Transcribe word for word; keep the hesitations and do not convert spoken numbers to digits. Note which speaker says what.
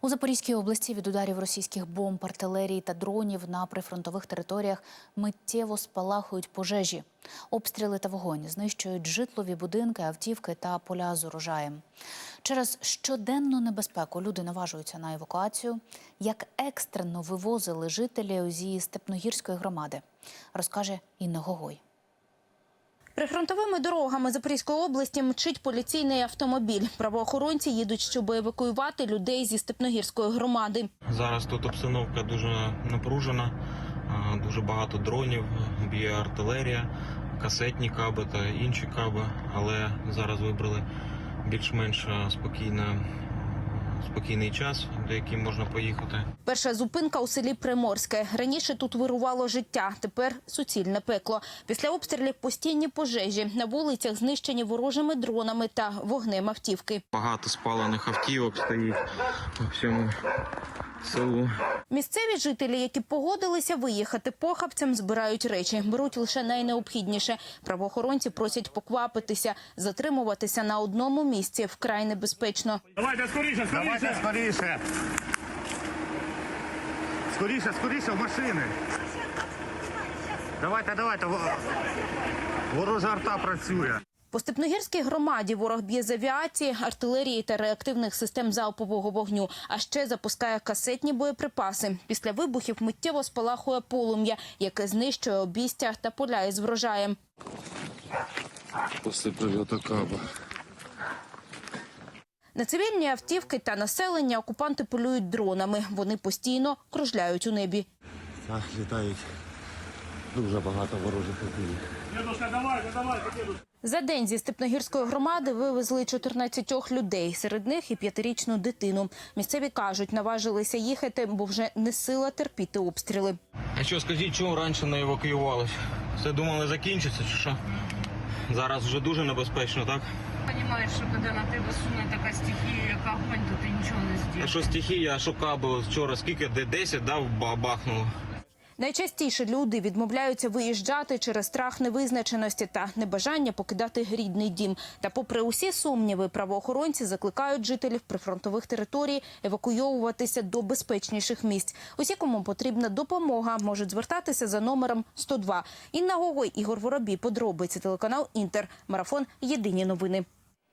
Speaker 1: У Запорізькій області від ударів російських бомб, артилерії та дронів на прифронтових територіях миттєво спалахують пожежі. Обстріли та вогонь знищують житлові будинки, автівки та поля з урожаєм. Через щоденну небезпеку люди наважуються на евакуацію. Як екстрено вивозили жителів зі Степногірської громади, розкаже Інна Гогой.
Speaker 2: Прифронтовими дорогами Запорізької області мчить поліційний автомобіль. Правоохоронці їдуть, щоб евакуювати людей зі Степногірської громади.
Speaker 3: Зараз тут обстановка дуже напружена, дуже багато дронів, б'є артилерія, касетні каби та інші каби, але зараз вибрали більш-менш спокійне. Спокійний час, до яким можна поїхати.
Speaker 2: Перша зупинка у селі Приморське. Раніше тут вирувало життя, тепер суцільне пекло. Після обстрілів постійні пожежі. На вулицях знищені ворожими дронами та вогнем автівки.
Speaker 3: Багато спалених автівок стоїть по всьому селу.
Speaker 2: Місцеві жителі, які погодилися виїхати похабцям, збирають речі. Беруть лише найнеобхідніше. Правоохоронці просять поквапитися. Затримуватися на одному місці вкрай небезпечно.
Speaker 4: Давайте скоріше, скоріше! Давайте скоріше! Скоріше, скоріше в машини! Давайте, давайте! Ворожа арта працює!
Speaker 2: По Степногірській громаді ворог б'є з авіації, артилерії та реактивних систем залпового вогню, а ще запускає касетні боєприпаси. Після вибухів миттєво спалахує полум'я, яке знищує обійстя та поля із врожаєм.
Speaker 5: Після прильоту каба.
Speaker 2: На цивільні автівки та населення окупанти полюють дронами. Вони постійно кружляють у небі.
Speaker 5: Так, літають дуже багато ворожих автівок.
Speaker 4: Дідушка, давайте, давайте, дідушка!
Speaker 2: За день зі Степногірської громади вивезли чотирнадцять людей, серед них і п'ятирічну дитину. Місцеві кажуть, наважилися їхати, бо вже не сила терпіти обстріли.
Speaker 3: А що, скажіть, чому раніше не евакуювалися? Все думали закінчиться чи що? Зараз вже дуже небезпечно, так?
Speaker 6: Понимаєш, що коли на тебе суне така стихія, як огонь, то ти нічого не
Speaker 3: А
Speaker 6: зробиш.
Speaker 3: що стихія, а що каби? Вчора скільки, де десять, да, бахнуло?
Speaker 2: Найчастіше люди відмовляються виїжджати через страх невизначеності та небажання покидати рідний дім. Та попри усі сумніви, правоохоронці закликають жителів прифронтових територій евакуйовуватися до безпечніших місць. Усі, кому потрібна допомога, можуть звертатися за номером сто два. Інна Гогой, Ігор Воробій, подробиці, телеканал Інтер. Марафон. Єдині новини.